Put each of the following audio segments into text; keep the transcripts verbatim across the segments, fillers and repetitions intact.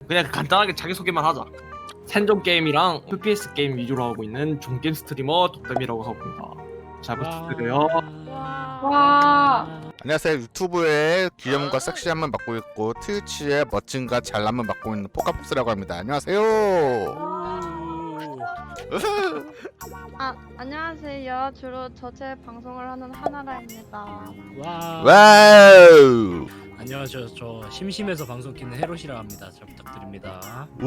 그냥 간단하게 자기소개만 하자. 생존 게임이랑 에프피에스 게임 위주로 하고 있는 종게임 스트리머 덕담이라고 합니다. 잘 부탁드려요. 와. 안녕하세요. 유튜브에 귀여움과 섹시함을 맡고 있고 트위치에 멋짐과 잘남을 맡고 있는 포카폭스라고 합니다. 안녕하세요. 아, 안녕하세요. 주로 저체 방송을 하는 하나라입니다. 와. 와우. 안녕하세요. 저 심심해서 방송 키는 헤롯이라 합니다. 잘 부탁드립니다. 우.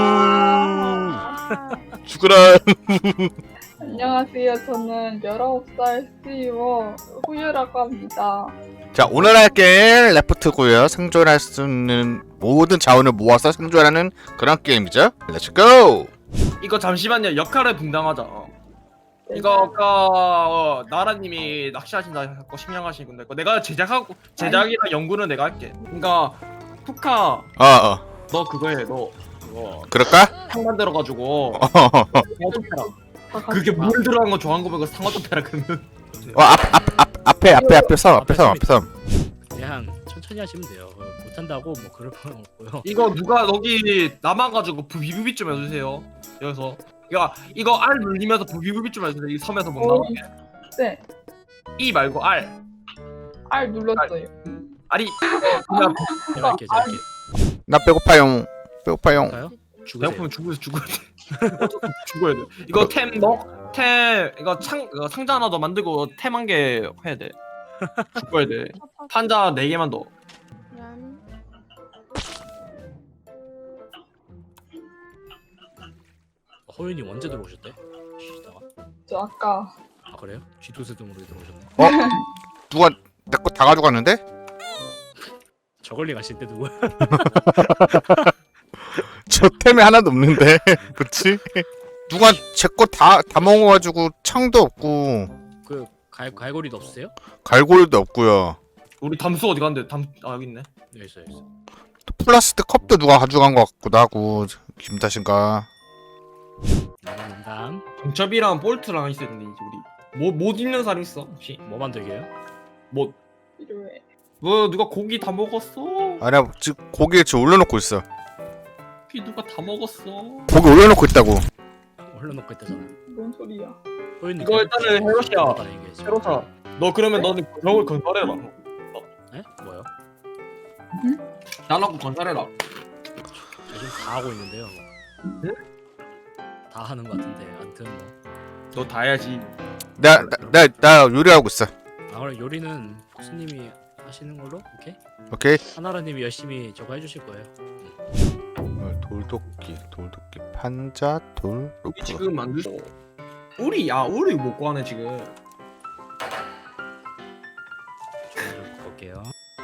아. 죽으라. 안녕하세요. 저는 열아홉 살 스트리머 후유라고 합니다. 자, 오늘 할 게임 레프트고요. 생존할 수 있는 모든 자원을 모아서 생존하는 그런 게임이죠. 렛츠고. 이거 잠시만요. 역할을 분담하자. 이거 아까 어, 나라님이 낚시하신다 고 심양하신 건데 이거 내가 제작하고 제작이랑 연구는 내가 할게. 그러니까 푸카 어, 어. 너 그거 해. 너 그거 그럴까? 상 만들어가지고 어, 상어 좀 패라. 그게 물 들어간 거 좋아하는 거 보고 상어 좀 패라 그러면. 어, 앞, 앞, 앞, 앞에, 앞에, 앞에 섬, 앞에 섬, 앞에 섬. 그냥 천천히 하시면 돼요. 어, 못한다고 뭐 그럴 필요 없고요. 이거 누가 여기 남아가지고 부비부비 좀 해주세요. 여기서 이거 이거 R 눌리면서 부비부비 좀 해주세요. 이 섬에서 못 어. 나오게. 네, E 말고 R. R 눌렀어요. R이 그냥 제가 할게, 제가 할게. 나 배고파용. 배고파용. 할까요? 죽으세요. 배고프면 죽어야 죽어야 돼. 죽어야 돼. 이거 템 넣, 템 이거 창 이거 상자 하나 더 만들고 템 한 개 해야 돼. 죽어야 돼. 판자 네 개만 넣어. 얀. 허윤이 언제 들어오셨대? 쉬다가. 저 아까 아 그래요? 쥐도새 등으로 들어오셨네. 어? 누가 내 거 다 가져갔는데? 저걸리 가실 때 누구야? 저 템이 하나도 없는데. 그치? 누가 제 거 다 다 먹어가지고 창도 없고 그 갈, 갈고리도 없으세요? 갈고리도 없고요. 우리 담수 어디 갔는데? 담 아 여기 있네. 여기 있어요, 여기 있어. 또 플라스틱 컵도 누가 가져간 것 같기도 하고 김 탓인가? 나가는담. 정첩이랑 볼트랑 있어야 되는데 이제 우리 뭐못 입는 사람 있어 혹시? 뭐 만들게요? 뭐 필요해. 뭐 누가 고기 다 먹었어? 아니야 지금 고기 지금 올려놓고 있어. 고기 누가 다 먹었어? 고기 올려놓고 있다고. 올려놓고 있다잖아. 뭔 소리야? 허윤이 이거 일단은 헤롯이야. 얘기해줘. 헤롯아, 너 그러면 너는 벽을 건설해라. 에? 뭐요? 나라고 건설해라. 요즘 다 하고 있는데요. 뭐. 다 하는 것 같은데 아무튼 뭐. 너 다 해야지. 나나나 나 요리하고 있어. 아 그럼 요리는 코스님이 하시는 걸로? 오케이? 오케이. 하나라님이 열심히 저거 해주실 거예요. 어, 돌도끼 돌도끼 판자 돌 우리 루프. 지금 만들. 우리 야 우리 못 구하네 지금. 좀 볼게요.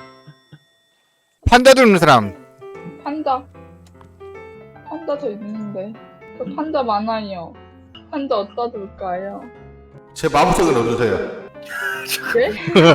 판자 들는 사람. 판자. 판자 저 있는데. 저 판자 많아요. 판자 어디다 둘까요? 제 마음속에 넣어주세요. 네?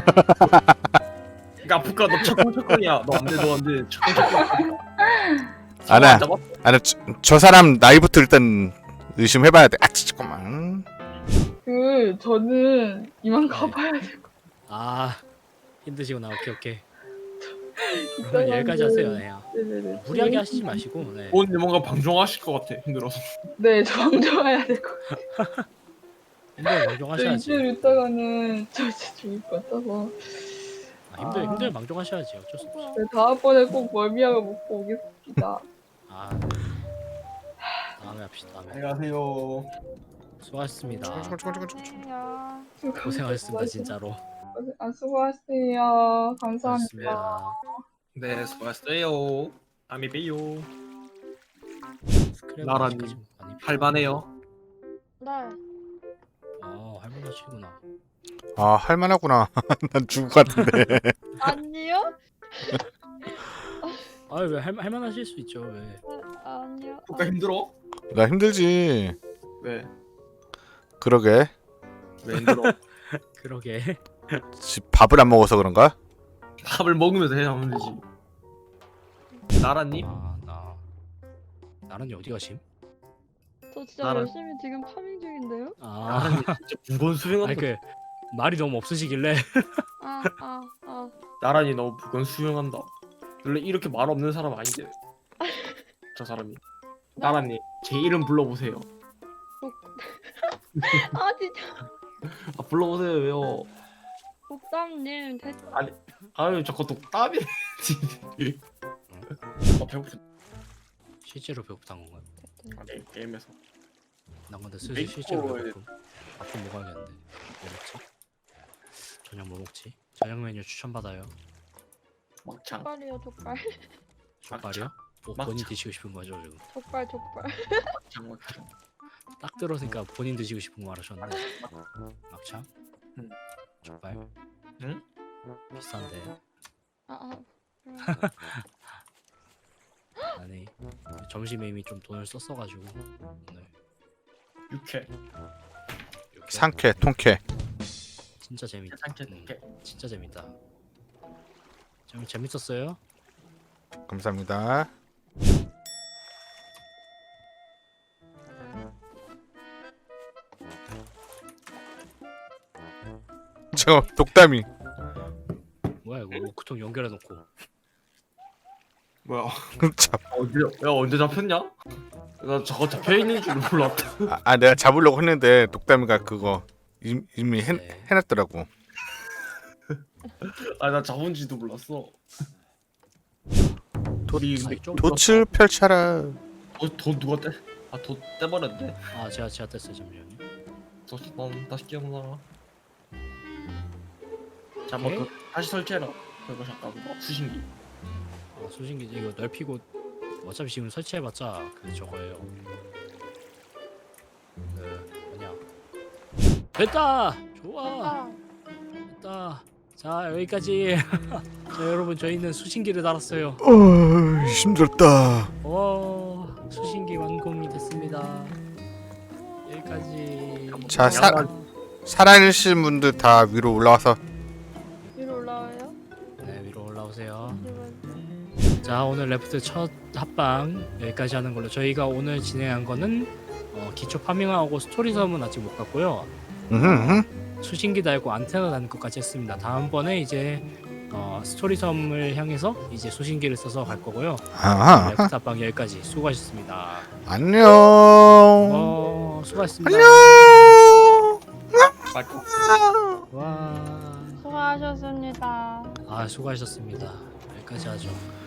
그러니까 부카 너 철컹철컹이야. 너 안돼 너 안돼. 철컹철컹. 아나 아나 저, 저 사람 나이부터 일단 의심해봐야 돼. 아 잠깐만. 그 저는 이만 가봐야 돼. 아 힘드시구나. 오케이 오케이. 이따가 그러면 여기까지 그- 하세요. 네. 네네네. 무리하게 하시지 마시고. 네. 오늘 뭔가 방종하실 것 같아 힘들어서. 네, 저 방종해야 될 것 같아요. 힘들 저 방종하셔야지. 이쯤 있다가는 저 진짜 죽을 것 같아서. 아, 힘들 힘들 방종하셔야지. 어쩔 수 없어. 네, 다음번에 꼭 멀미약을 먹고 오겠습니다. 아 다음에 합시다. 다음에. 안녕하세요. 수고하셨습니다. 안녕. 고생하셨습니다 진짜로. 아, 수고하세요. 감사합니다. 고맙습니다. 네 수고하셨어요. 다음에 봬요. 스크랩은 나란히 아직까지 많이 필요- 할만해요. 네. 아 할만하시구나. 아 할만하구나. 난 죽을 것 같은데. 아니요? 아왜 할만하실 수 있죠 왜? 아, 아니요. 부카 힘들어? 나 힘들지. 왜? 그러게. 왜 힘들어? 그러게. 집 밥을 안 먹어서 그런가? 밥을 먹으면서 해야 하면 되지. 나라님? 아나 나란히 어디 가심? 저 진짜 나는- 열심히 지금 파밍 중인데요? 아 나라님 진짜 무건 수행한다. 아니 그 말이 너무 없으시길래. 아, 아, 아. 나란히 너무 무건 수행한다. 원래 이렇게 말 없는 사람 아닌데. 저 사람이. 나라님 제 이름 불러보세요. 아 진짜 아 불러보세요 왜요? 독담님 대 아유 저거 독답이. 어 배고프. 실제로 배고프단 건가요? 아니 게임에서. 난 근데 슬슬 메이커에- 실제로 배고픔. 밥 좀 먹어야겠는데. 뭐 먹지? 저녁 뭐 먹지? 저녁 메뉴 추천받아요. 막창. 족발이요 족발 족발이요? 뭐 막창. 본인 드시고 싶은 거죠 지금? 족발 족발 막창 막창. 딱 들어서니까 본인 드시고 싶은 거 말하셨는데. 막창? 응. 족발? 응? 비싼데. 아아 아니 점심에 이미 좀 돈을 썼어가지고 오늘 육회. 이렇게 상쾌 통쾌. 진짜 재밌다. 상쾌 음, 육회. 진짜 재밌다. 좀 재밌었어요? 감사합니다. 저 독담이 뭐야 이거 워크통 연결해놓고 뭐야? 참. 언제 야 언제 잡혔냐? 나 저거 잡혀 있는 줄 몰랐다. 아, 아 내가 잡으려고 했는데 독담이가 그거 이미, 이미 해, 네. 해놨더라고. 아 나 잡은지도 몰랐어. 도, 우리 아니, 좀 돛을 펼쳐라. 어, 돈 누가 떼? 아돈 떼버렸네. 아 제가 제가 뗐어요 잠시만요. 다시 난 다시 끼워놔. 자, 오케이. 뭐 그, 다시 설치해라. 그거 잠깐 뭐 수신기. 아, 수신기 이거 넓히고 어차피 지금 설치해봤자 그 저거예요. 그 뭐냐 됐다 좋아 아 됐다. 자 여기까지. 자 여러분 저희는 수신기를 달았어요. 어 힘들었다. 오 수신기 완공이 됐습니다. 여기까지. 자, 사- 살아계신 분들 다 위로 올라와서 위로 올라와요? 네 위로 올라오세요. 이러면 자 오늘 레프트 첫 합방 여기까지 하는 걸로. 저희가 오늘 진행한 거는 어, 기초 파밍하고 스토리 섬은 아직 못 갔고요. 음흠. 수신기 달고 안테나 다는 것까지 했습니다. 다음번에 이제 어, 스토리 섬을 향해서 이제 수신기를 써서 갈 거고요. 아하. 레프트 합방 여기까지 수고하셨습니다. 안녕. 어 수고하셨습니다. 안녕. 와. 수고하셨습니다 아 수고하셨습니다. 여기까지 하죠.